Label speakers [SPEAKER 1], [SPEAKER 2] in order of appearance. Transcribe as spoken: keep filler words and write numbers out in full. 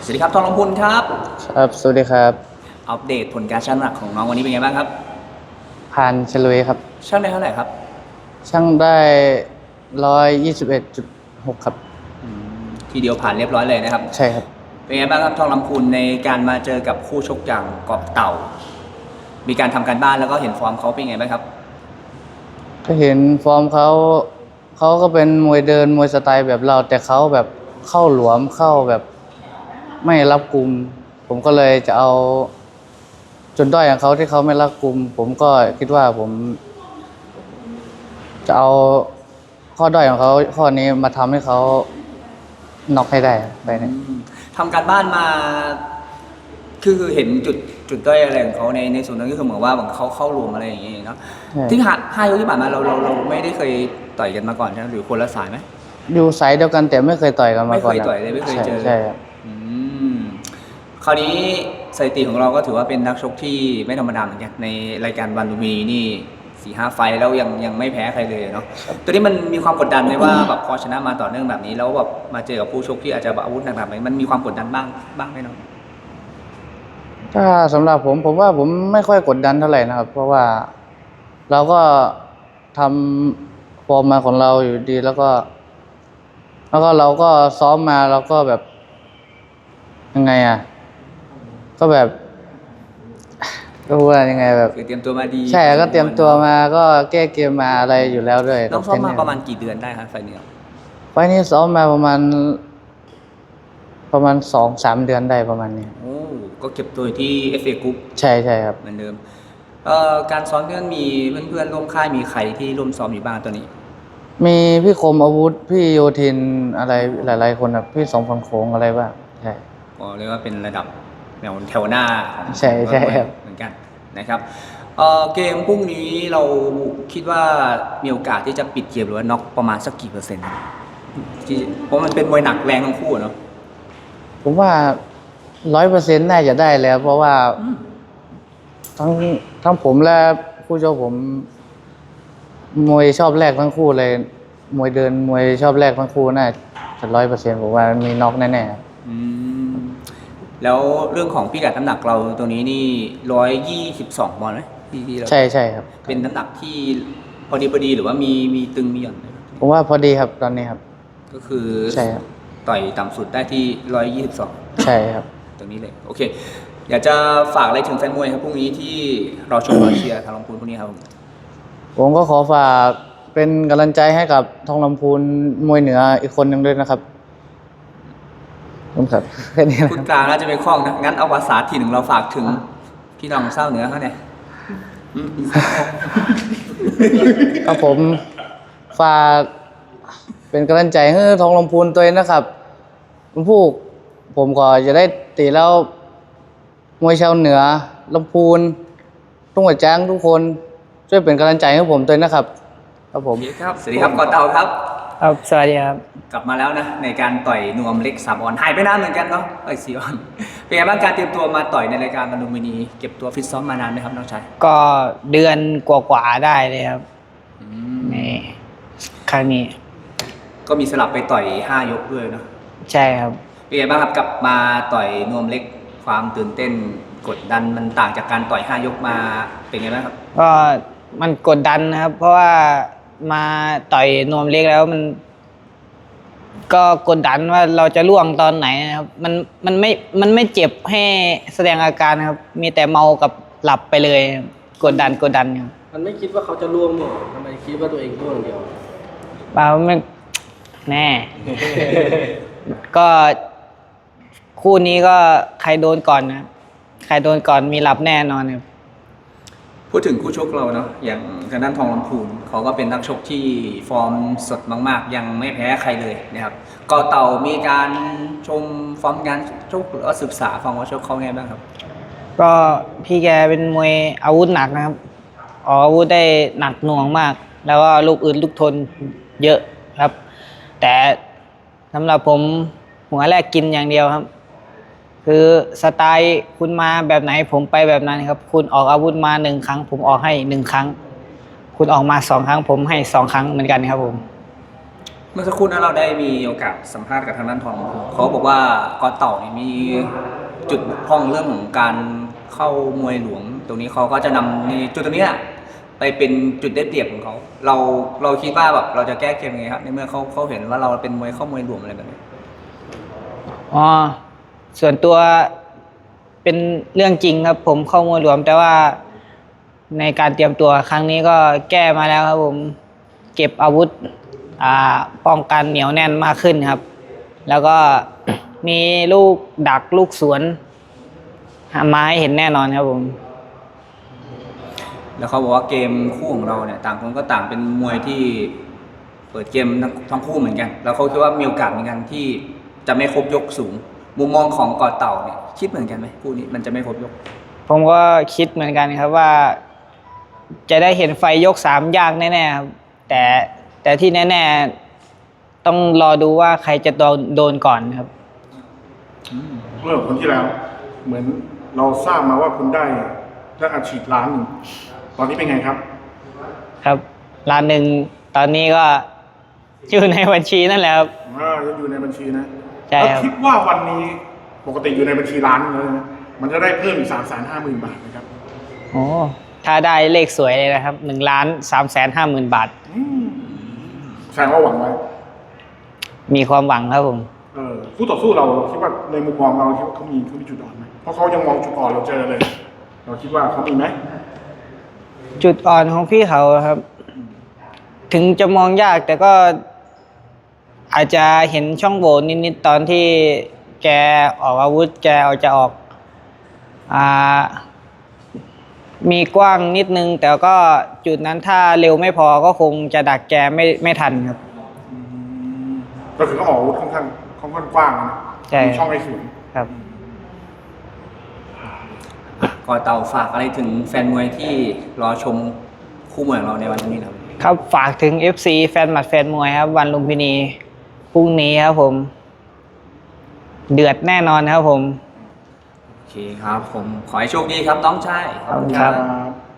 [SPEAKER 1] สวัสดีครับทองลำพูนครับ
[SPEAKER 2] ครับสวัสดีครับ
[SPEAKER 1] อัปเดตผลการชั่งน้ำหนักของน้องวันนี้เป็นไงบ้างครับ
[SPEAKER 2] ผ่านเฉลยครับ
[SPEAKER 1] ชั่งได้เท่าไหร่ครับ
[SPEAKER 2] ช่างได้ร้อยยี่สิบเอ็ดจุดหกครับ
[SPEAKER 1] ทีเดียวผ่านเรียบร้อยเลยนะครับ
[SPEAKER 2] ใช่ครับ
[SPEAKER 1] เป็นไงบ้างครับทองลำพูนในการมาเจอกับคู่ชกอย่างเกาะเต่ามีการทำการบ้านแล้วก็เห็นฟอร์มเขาเป็นไงบ้างครับ
[SPEAKER 2] ก็เห็นฟอร์มเขาเขาก็เป็นมวยเดินมวยสไตล์แบบเราแต่เขาแบบเข้าหลวมเข้าแบบไม่รับกลุ่มผมก็เลยจะเอาจุดด้อยของเขาที่เขาไม่รับกลุ่มผมก็คิดว่าผมจะเอาข้อด้อยของเขาข้อนี้มาทำให้เขาน็อกให้ได้ไปเนี่ย
[SPEAKER 1] ทำการบ้านมาคือคือเห็นจุดจุดด้อยอะไรของเขาในในส่วนนั้นก็คือเหมือนว่าเขาเข้ารวมอะไรอย่างเงี้ยเนาะที่ห้าห้ายกที่ผ่านมาเราเราเราไม่ได้เคยต่อยกันมาก่อนใช่ไหมหรือคนละสายไหม
[SPEAKER 2] อยู่สายเดียวกันแต่ไม่เคยต่อยกันมาก่อน
[SPEAKER 1] ไม่เคยต่อยเลยไม่เคยเจอ
[SPEAKER 2] ใช่ครับ
[SPEAKER 1] คราวนี้สถิติของเราก็ถือว่าเป็นนักชกที่ไม่ธรรมดาเหมือนกันในรายการวันลุมพินีนี่สี่ห้าไฟแล้วยังยังไม่แพ้ใครเลยเนาะตัวนี้มันมีความกดดันไหมว่าแบบพอชนะมาต่อเนื่องแบบนี้แล้วแบบมาเจอกับผู้ชกที่อาจจะอาวุธหนักๆไหมมันมีความกดดันบ้างบ้างไหมเนาะ
[SPEAKER 2] ถ้าสำหรับผมผมว่าผมไม่ค่อยกดดันเท่าไหร่นะครับเพราะว่าเราก็ทำฟอร์มมาของเราอยู่ดีแล้วก็ แล้วก็เราก็ซ้อมมาเราก็แบบยังไงอ่ะก็แบบก็ว่ายังไงแบบ
[SPEAKER 1] คือเตรียมตัวมาดี
[SPEAKER 2] ใช่ก็เตรียมตัวมาก็แก้เกมมาอะไรอยู่แล้วด้วย
[SPEAKER 1] ต้องซ้อมมาประมาณกี่เดือนได้ครับไฟนี้
[SPEAKER 2] ไฟนี้ซ้อมมาประมาณประมาณสองสามเดือนได้ประมาณนี้
[SPEAKER 1] โอ้ก็เก็บตัวที่ เอฟ เอ Group
[SPEAKER 2] ใช่ใช่ครับ
[SPEAKER 1] เหมือนเดิมเอ่อการซ้อมเพื่อนมีเพื่อนๆร่วมค่ายมีใครที่ร่วมซ้อมอยู่บ้างตัวนี้
[SPEAKER 2] มีพี่คมอาวุธพี่โยธินอะไรหลายๆคนครับพี่สองพันโค้งอะไรบ้างใช่
[SPEAKER 1] ก็เรียกว่าเป็นระดับแนวแถวหน้าของ
[SPEAKER 2] ใช่ใช่ครับ
[SPEAKER 1] เหมือนกันนะครับเอ่อเกมพรุ่งนี้เราคิดว่ามีโอกาสที่จะปิดเกมหรือว่าน็อกประมาณสักกี่เปอร์เซ็นต์ที่เพราะมันเป็นมวยหนักแรงทั้งคู่เนาะ
[SPEAKER 2] ผมว่าร้อยเปอร์เซ็นต์น่าจะได้แล้วเพราะว่าทั้งทั้งผมและผู้ชกผมมวยชอบแรกทั้งคู่เลยมวยเดินมวยชอบแรกทั้งคู่น่าจะร้อยเปอร์เซ็นต์ผมว่ามีน็อกแน่ๆ
[SPEAKER 1] อืมแล้วเรื่องของพิกัดน้ำหนักเราตัวนี้นี่ร้อยยี่สิบสองบอลไหมที่ที่เรา
[SPEAKER 2] ใช่ใช่ครับ
[SPEAKER 1] เป็นน้ำหนักที่พอดีพอดีหรือว่ามีมีตึงมีหย่อน
[SPEAKER 2] ผมว่าพอดีครับตอนนี้ครับ
[SPEAKER 1] ก็คือ
[SPEAKER 2] ใช่ครับ
[SPEAKER 1] ต่อยต่ำสุดได้ที่ร้อยยี่สิบสอง
[SPEAKER 2] ใช่ครับ
[SPEAKER 1] ตรงนี้เลยโอเคอยากจะฝากอะไรถึงแฟนมวยครับพรุ่งนี้ที่เราชมเราเชียร์ทางลำพูนพรุ่งนี้ครับ
[SPEAKER 2] ผมก็ขอฝากเป็นกำลังใจให้กับทองลำพูนมวยเหนืออีกคนหนึ่งด้วยนะครับครับแค่นี้นะ
[SPEAKER 1] คุณกลางน่าจะเป็นข้องนะงั้นเอาภาษาถิ่นของเราฝากถึงพี่น้องเศร้าเหนือเขาเนี่ย
[SPEAKER 2] ครับผมฝากเป็นกำลังใจให้ทองลำพูนตัวเองนะครับคุณผู้ผมก็จะได้ตีแล้วมวยชาวเหนือลำพูนทุ่งหัวจ้างทุกคนช่วยเป็นกำลังใจให้ผมด้วยนะครับครับผม
[SPEAKER 1] ครับสวัสดีครับกอเตาครับ
[SPEAKER 2] ครับสวัสดีครับ
[SPEAKER 1] กลับมาแล้วนะในการต่อยนวมเล็กสามออนหายไปนานเหมือนกันเนาะต่อยสี่ออนเป็นไงบ้างการเตรียมตัวมาต่อยในรายการวันลุมพินีเก็บตัวฟิตซ้อมมานานไหมครับน้องชาย
[SPEAKER 2] ก็เดือนกว่าๆได้เลยครับนี่ครั้งนี้
[SPEAKER 1] ก็มีสลับไปต่อยห้ายกด้วยเนาะ
[SPEAKER 2] ใช่ครับ
[SPEAKER 1] เป็นไงบ้างครับกลับมาต่อยนวมเล็กความตื่นเต้นกดดันมันต่างจากการต่อยห้ายกมาเป็นไงบ้างครับ
[SPEAKER 2] ก็มันกดดันนะครับเพราะว่ามาต่อยนวมเล็กแล้วมันก็กดดันว่าเราจะล่วงตอนไหนนะครับมันมันไม่มันไม่เจ็บให้แสดงอาการครับมีแต่เมากับหลับไปเลยกดดันกดดันครับ
[SPEAKER 3] มันไม่คิดว่าเขาจะล่วงหรอทำไมคิดว่าตัวเองล่วงเดียว
[SPEAKER 2] เปล่าไม่แน่ ก็คู่นี้ก็ใครโดนก่อนนะใครโดนก่อนมีหลับแน่นอนครับ
[SPEAKER 1] พูดถึงคู่ชกเราเนาะอย่างทางด้านทองลำพูนเขาก็เป็นนักชกที่ฟอร์มสดมากๆยังไม่แพ้ใครเลยนะครับกอเต่ามีการชมฟอร์มงานชกหรือว่าศึกษาฟอร์มว่าชกเขาไงบ้างครับ
[SPEAKER 2] ก็พี่แกเป็นมวยอาวุธหนักนะครับออกอาวุธได้หนักหน่วงมากแล้วก็ลูกอื่นลูกทนเยอะครับแต่สำหรับผมหัวแรกกินอย่างเดียวครับคือสไตล์คุณมาแบบไหนผมไปแบบนั้นครับคุณออกอาวุธมาหนึ่งครั้งผมออกให้หนึ่งครั้งคุณออกมาสองครั้งผมให้สองครั้งเหมือนกันครับผม
[SPEAKER 1] คเมื่อสักครู่นั้นเราได้มีโอกาสสัมภาษณ์กับทางด้านทองเขาบอกว่ากอเต่าเนี่ยมีจุดบกพร่องเรื่องของการเข้ามวยหลวง ตรงนี้เขาก็จะนำในจุดตรงเนี้ยไปเป็นจุดได้เปรียบของเขาเราเราคิดว่าแบบเราจะแก้เกมยังไงครับในเมื่อเขาเขาเห็นว่าเราเป็นมวยเข้ามวยหลวงอะไรแบบนี้
[SPEAKER 4] อ๋อส่วนตัวเป็นเรื่องจริงครับผมเข้ามวยหลวมแต่ว่าในการเตรียมตัวครั้งนี้ก็แก้มาแล้วครับผมเก็บอาวุธอ่าป้องกันเหนียวแน่นมากขึ้นครับ แล้วก็ มีลูกดักลูกสวนมาให้เห็นแน่นอนครับผม
[SPEAKER 1] แล้วเขาบอกว่าเกมคู่ของเราเนี่ยต่างคนก็ต่างเป็นมวยที่เปิดเกมทั้งทั้งคู่เหมือนกัน แล้วเขาคิดว่ามีโอกาสเหมือนกันที่จะไม่ครบยกสูง มุมมองของกอเต่าเนี่ยคิดเหมือนกันไหมคู่นี้มันจะไม่ครบยก
[SPEAKER 4] ผมก็คิดเหมือนกันครับว่า จะได้เห็นไฟยกสามยากแน่ๆครับแต่แต่ที่แน่ๆต้องรอดูว่าใครจะโดนโดนก่อนครับ
[SPEAKER 5] เมื่อคนที่แล้ว เหมือนเราทราบมาว่าคุณได้ได้อาชีพล้านหนึ่งตอนนี้เป็นไงครับ
[SPEAKER 4] ครับร้านหนึ่งตอนนี้ก็อยู่ในบัญชีนั่นแหละครับ
[SPEAKER 5] อ่ายังอยู่ในบัญชีนะ
[SPEAKER 4] ใช่
[SPEAKER 5] แล้ว
[SPEAKER 4] ครับ
[SPEAKER 5] คิดว่าวันนี้ปกติอยู่ในบัญชีล้านหนึงแล้วนะมันจะได้เพิ่มอีกสามแสนห้าหมื่นบาทนะครับ
[SPEAKER 4] โอ้ถ้าได้เลขสวยเลยนะครับหนึ่งล้านสามแสนห้าหมื่นบาท
[SPEAKER 5] อืมแสดงว่าหวังไว้
[SPEAKER 4] มีความหวังครับผม
[SPEAKER 5] เออคู่ต่อสู้เราเราคิดว่าในมุมมองเราคิดว่าเขามีเขามีจุดอ่อนไหมเพราะเขายังมองจุดอ่อนเราเจอเลย เราคิดว่าเขามีไหม
[SPEAKER 4] จุดอ่อนของพี่เขาครับ ถึงจะมองยากแต่ก็อาจจะเห็นช่องโหว่นิดๆตอนที่แกออกอาวุธ แกเอาจะออกอ่ามีกว้างนิดนึง แต่ก็จุดนั้นถ้าเร็วไม่พอก็คงจะดักแกไม่ไม่ทันครับ
[SPEAKER 5] อืมก็คือเขาออกอาวุธค่อนข้างค่อนข้างกว้างนะ
[SPEAKER 4] ใช่
[SPEAKER 5] มีช่องให้สวน
[SPEAKER 4] ครับ
[SPEAKER 1] กอเต่าฝากอะไรถึงแฟนมวยที่รอชมคู่มวยของเราในวันนี้ครับ
[SPEAKER 4] ครับฝากถึง เอฟ ซี แฟนหมัดแฟนมวยครับ วันลุมพินีพรุ่งนี้ครับผม เดือดแน่นอนครับผม
[SPEAKER 1] โอเคครับผมขอให้โชคดีครับน้องชาย
[SPEAKER 4] ขอบคุณครับ
[SPEAKER 5] ครับ